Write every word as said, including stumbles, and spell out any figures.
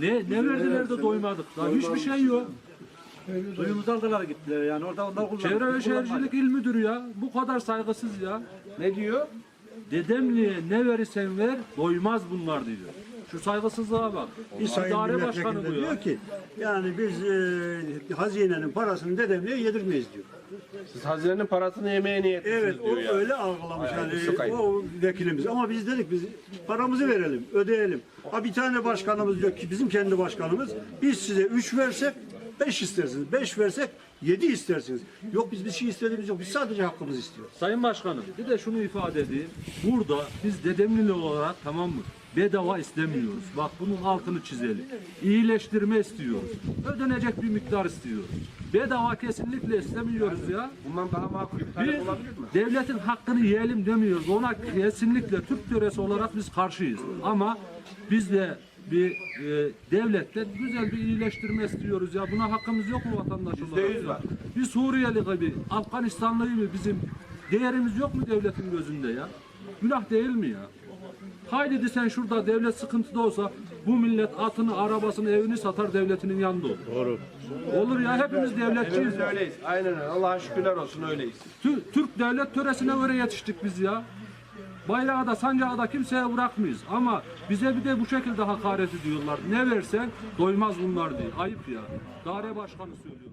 Ne ne verdiler de doymadık. Daha hiçbir şey yok. Suyumuzu aldılar gittiler yani orada onlar kullanıyor. Çevre ve Şehircilik İl Müdürü ya. Bu kadar saygısız ya. Ne diyor? Dedemli'ye ne verirsen ver doymaz bunlar diyor. Şu saygısızlığa bak. Bir sayın İdare başkanı bu milletvekili ya. diyor ki yani biz e, hazinenin parasını dedemliğe yedirmeyiz diyor. Siz hazinenin parasını yemeye niyetlisiniz Evet o diyor ya. öyle algılamış Ay, yani sıkayım. o vekilimiz ama biz dedik biz paramızı verelim ödeyelim. Ha bir tane başkanımız diyor ki bizim kendi başkanımız biz size üç versek beş istersiniz. Beş versek yedi istersiniz. Yok biz bir şey istediğimiz yok. Biz sadece hakkımızı istiyoruz. Sayın Başkanım bir de şunu ifade edeyim. Burada biz Dedemlili olarak tamam mı? Bedava istemiyoruz. Bak bunun altını çizelim. İyileştirme istiyoruz. Ödenecek bir miktar istiyoruz. Bedava kesinlikle istemiyoruz ya. Bundan daha makul bir talep Biz olabilir mi? devletin hakkını yiyelim demiyoruz. Ona kesinlikle Türk töresi olarak biz karşıyız. Ama biz de bir e, devletten güzel bir iyileştirme istiyoruz ya. Buna hakkımız yok mu vatandaş olarak? yüz ya? var. Bir Suriyeli gibi, Afganistanlı gibi bizim değerimiz yok mu devletin gözünde ya? Günah değil mi ya? Haydi sen şurada devlet sıkıntıda olsa bu millet atını, arabasını, evini satar devletinin yanında olur. Doğru. Olur ya hepimiz devletçiyiz. Biz öyleyiz. Aynen öyle. Allah'a şükürler olsun öyleyiz. Tü- Türk devlet töresine göre yetiştik biz ya. Bayrağı da sancağı da kimseye bırakmayız. Ama bize bir de bu şekilde hakaret ediyorlar. Ne versen doymaz bunlar diye. Ayıp ya. Daire başkanı söylüyor.